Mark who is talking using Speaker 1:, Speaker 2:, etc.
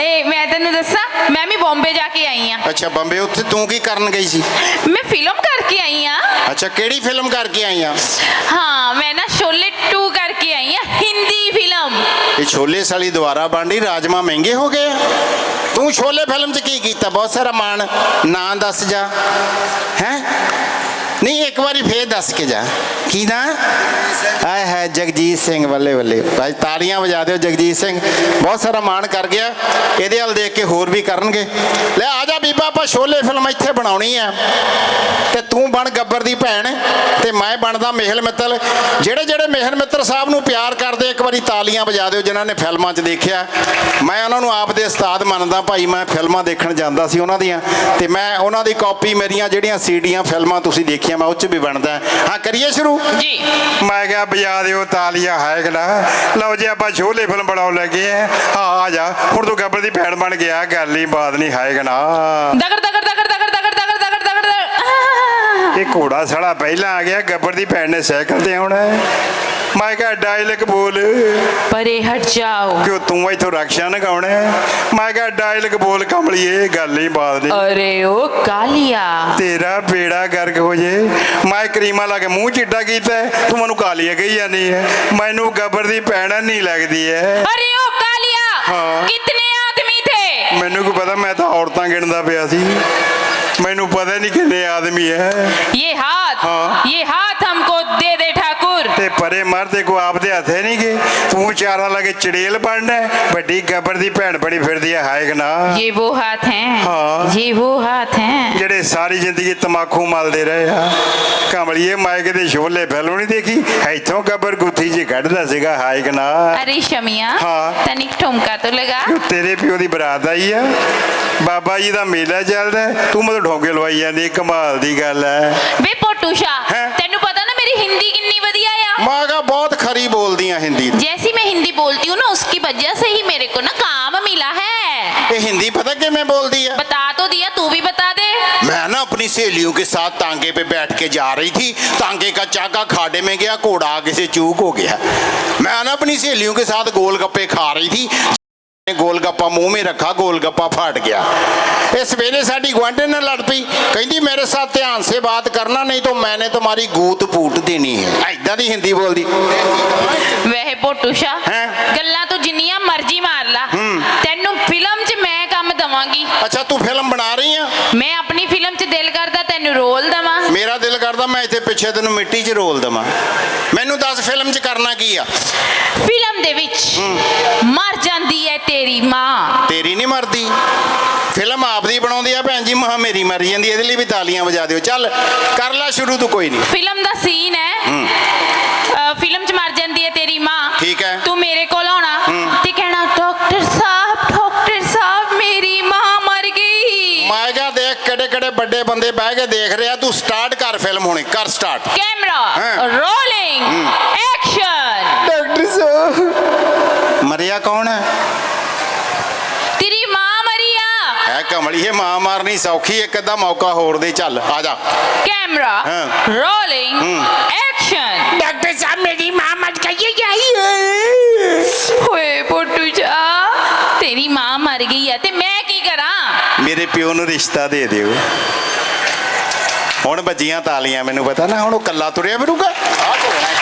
Speaker 1: मैं तेन दसा मैं भी बॉम्बे जाके आई हाँ।
Speaker 2: अच्छा बंबे उत्थे तू की करन गई सी?
Speaker 1: मैं फिल्म करके आई हाँ।
Speaker 2: अच्छा केड़ी फिल्म करके आई आ?
Speaker 1: हाँ मैं ना शोले 2 करके आई हाँ, हिंदी फिल्म।
Speaker 2: ये छोले साली दोबारा बन रही, राजमा महंगे हो गए। तू छोले फिल्म च की कीता? बहुत सारा मान ना दस जा हैं। नहीं एक बारी फिर दस के जा की ना आए है जगजीत सिंह। बल्ले बल्ले भाई तालियां बजा दो। जगजीत सिंह बहुत सारा मान कर गया, ਇਹਦੇ ਵੱਲ देख के होर भी करनगे। ले आ जा बीबा ਆਪਾਂ छोले फिल्म ਇੱਥੇ ਬਣਾਉਣੀ ਆ ਤੇ ਤੂੰ ਬਣ ਗੱਬਰ ਦੀ ਭੈਣ ਤੇ ਮੈਂ ਬਣਦਾ ਮੇਹਲ ਮਿੱਤਲ। ਜਿਹੜੇ ਜਿਹੜੇ ਮੇਹਲ ਮਿੱਤਰ ਸਾਹਿਬ ਨੂੰ ਪਿਆਰ ਕਰਦੇ ਇੱਕ ਵਾਰੀ ਤਾਲੀਆਂ ਵਜਾ ਦਿਓ ਜਿਨ੍ਹਾਂ ਨੇ ਫਿਲਮਾਂ 'ਚ ਦੇਖਿਆ। ਮੈਂ ਉਹਨਾਂ ਨੂੰ ਆਪ ਦੇ ਉਸਤਾਦ ਮੰਨਦਾ ਭਾਈ। ਮੈਂ ਫਿਲਮਾਂ ਦੇਖਣ ਜਾਂਦਾ ਸੀ ਉਹਨਾਂ ਦੀਆਂ ਤੇ ਮੈਂ ਉਹਨਾਂ ਦੀ ਕਾਪੀ ਮੇਰੀਆਂ ਜਿਹੜੀਆਂ ਸੀਡੀਆਂ ਫਿਲਮਾਂ ਤੁਸੀਂ ਦੇਖੀਆਂ ਮੈਂ ਉਹ 'ਚ ਵੀ ਬਣਦਾ। ਹਾਂ ਕਰੀਏ ਸ਼ੁਰੂ
Speaker 1: जी।
Speaker 2: ਮੈਂ ਕਿਹਾ ਵਜਾ ਦਿਓ ਤਾਲੀਆਂ ਹੈ ਕਿ ਨਾ। ਲਓ ਜੀ ਆਪਾਂ ਛੋਲੇ ਫਿਲਮ ਬਣਾਉਣ ਲੱਗੇ ਆ ਜਾ ਹੁਣ ਤੂੰ ਗੱਬਰ ਦੀ ਭੈਣ ਬਣ ਗਿਆ। ਗੱਲ ਹੀ ਬਾਤ ਨਹੀਂ ਹੈ ਕਿ ਨਾ।
Speaker 1: दगड़ दगड़ दगड़ दगड़ दगड़ दगड़ दगड़ दगड़ दगड़।
Speaker 2: ਇਹ ਘੋੜਾ ਸਾਲਾ ਪਹਿਲਾਂ ਆ ਗਿਆ, ਗੱਬਰ ਦੀ ਭੈਣ ਨੇ ਸਾਈਕਲ ਤੇ ਆਉਣਾ। ਮੈਂ ਕਿਹਾ ਡਾਇਲੌਗ ਬੋਲ।
Speaker 1: परे हट जाओ।
Speaker 2: ਕਿਉਂ ਤੂੰ ਇੱਥੋਂ ਰਕਸ਼ਾ ਨਗਾਉਣਾ? ਮੈਂ ਕਿਹਾ ਡਾਇਲੌਗ ਬੋਲ ਕਮਲੀਏ, ਗੱਲ ਹੀ ਬਾਤ ਨਹੀਂ।
Speaker 1: अरे ओ कालिया।
Speaker 2: ਤੇਰਾ ਬੇੜਾ ਗਰਕ ਹੋ ਜੇ। ਮੈਂ ਕਰੀਮਾ ਲਾ ਕੇ ਮੂੰਹ ਚਿੱਟਾ ਕੀਤਾ, ਤੂੰ ਮੈਨੂੰ ਕਾਲੀਆ ਕਹੀ ਜਾਂਦੀ ਹੈ। ਮੈਨੂੰ ਗੱਬਰ ਦੀ ਭੈਣ ਨਹੀਂ ਲੱਗਦੀ ਹੈ।
Speaker 1: अरे ओ कालिया।
Speaker 2: हाँ।
Speaker 1: कितने आदमी थे?
Speaker 2: ਮੈਨੂੰ ਕੀ ਪਤਾ, ਮੈਂ ਤਾਂ ਔਰਤਾਂ ਗਿਣਦਾ ਪਿਆ ਸੀ। ਮੈਨੂੰ ਪਤਾ ਨਹੀਂ ਕਿੰਨੇ ਆਦਮੀ ਹੈ।
Speaker 1: ये हाथ।
Speaker 2: हाँ।
Speaker 1: ये हाथ हमको दे दे ठाकुर।
Speaker 2: ਤੇ ਪਰੇ ਮਰਦੇ ਕੋ ਆਪਦੇ ਹੱਥੇ ਨਹੀਂ ਗਏ। ਤੂੰ ਚਾਰਾਂ ਲਾ ਕੇ ਚੜੇਲ ਬਣਨਾ। ਵੱਡੀ ਗੱਬਰ ਦੀ ਭੈਣ ਬੜੀ ਫਿਰਦੀ ਹੈ ਹਾਇਕ ਨਾ।
Speaker 1: ये वो हाथ हैं।
Speaker 2: हाँ।
Speaker 1: ये वो हाथ हैं।
Speaker 2: ਜਿਹੜੇ ਸਾਰੀ ਜ਼ਿੰਦਗੀ ਤਮਾਕੂ ਮਲਦੇ ਰਹੇ ਆ। ਕਮਲੀਏ ਮੈਂ ਕਿਤੇ ਛੋਲੇ ਫਿਲਮ ਨਹੀਂ ਦੇਖੀ, ਇੱਥੋਂ ਗੱਬਰ ਗੁੱਥੀ ਜੀ ਕੱਢਦਾ ਸੀਗਾ ਹਾਇਕ ਨਾ।
Speaker 1: अरे शमिया।
Speaker 2: हाँ।
Speaker 1: तनिक ठुमका तो लगा।
Speaker 2: ਤੇਰੇ ਪਿਓ ਦੀ ਬਰਾਤ ਆਈ ਆ, ਬਾਬਾ ਜੀ ਦਾ ਮੇਲਾ ਚੱਲਦਾ, ਤੂੰ ਮਤਲਬ ਢੋਂਗੇ ਲਵਾਈ ਜਾਂਦੀ। ਕਮਾਲ ਦੀ ਗੱਲ ਹੈ।
Speaker 1: ਵੇ पोटूशा।
Speaker 2: हैं?
Speaker 1: तेनू पता ना मेरी हिंदी कितनी वधिया आ।
Speaker 2: ਮੈਂ ਕਿਹਾ ਬਹੁਤ ਖਰੀ ਬੋਲਦੀਆਂ ਹਿੰਦੀ।
Speaker 1: जैसी मैं हिंदी बोलती हूँ ना उसकी वजह से ही मेरे को ना काम मिला है।
Speaker 2: ਇਹ ਹਿੰਦੀ पता ਕਿਵੇਂ ਬੋਲਦੀ ਹੈ?
Speaker 1: बता तो दिया, तू भी बता दे।
Speaker 2: मैं ना अपनी सहेलियों के साथ तांगे पे बैठ के जा रही थी। तांगे का चाका खाड़े में गया, घोड़ा आगे से चूक हो गया। मैं ना अपनी सहेलियों के साथ गोलगप्पे खा रही थी। गोलगप्पा मुंह में रखा, गोलगप्पा फट गया। इस सवेरे साडी गुआंढी ने लड़ पई, कहती मेरे साथ ध्यान से बात करना नहीं तो मैंने तुम्हारी गूत फूट देनी है। ऐदा दी हिंदी बोलदी।
Speaker 1: वह पोटूशा
Speaker 2: हैं?
Speaker 1: गल्लां तो जिन्नियां मर्जी मार ला, तेनू फिल्म च मैं काम दवांगी।
Speaker 2: अच्छा तू फिल्म बना रही है?
Speaker 1: मैं अपनी फिल्म च दिल करदा तेनू रोल दवां।
Speaker 2: मेरा दिल करदा मैं इत्थे पिछे तेनू मिट्टी च रोल दवां। मैनू दस फिल्म च करना की आ?
Speaker 1: फिल्म दे विच मर जांदी है तेरी मां।
Speaker 2: तेरी नहीं मरदी, फिल्म आपदी बनाउंदी आ भैन जी। महा मेरी मर जांदी, ਇਹਦੇ ਲਈ भी तालियां बजा दिओ। चल कर ला शुरू तू, कोई नहीं।
Speaker 1: फिल्म दा सीन है फिल्म च मर जांदी है तेरी मां।
Speaker 2: ठीक है।
Speaker 1: तू मेरे कोल आना ते कहना डॉक्टर साहब मेरी मां मर गई।
Speaker 2: मैं क्या देख केड़े केड़े बड़े बंदे बह के देख रहे। तू स्टार्ट कर फिल्म, होनी कर स्टार्ट।
Speaker 1: कैमरा
Speaker 2: हाँ।
Speaker 1: Rolling action.
Speaker 2: डॉक्टर साहब मरिया कौन है?
Speaker 1: तेरी मां मरिया।
Speaker 2: है कमली है, मां मारनी सौखी, एक अद्धा मौका होर दे। चल आ जा।
Speaker 1: कैमरा
Speaker 2: हाँ।
Speaker 1: Rolling action.
Speaker 2: डॉक्टर साहब मेरी मां मर गई।
Speaker 1: ओए पोटू जा तेरी मां मर गई है ते मैं की करा?
Speaker 2: मेरे प्यो नू रिश्ता दे दिओ। हुण बजियां तालियां, मैनू पता ना हुण कल्ला तुरिया फिरूगा।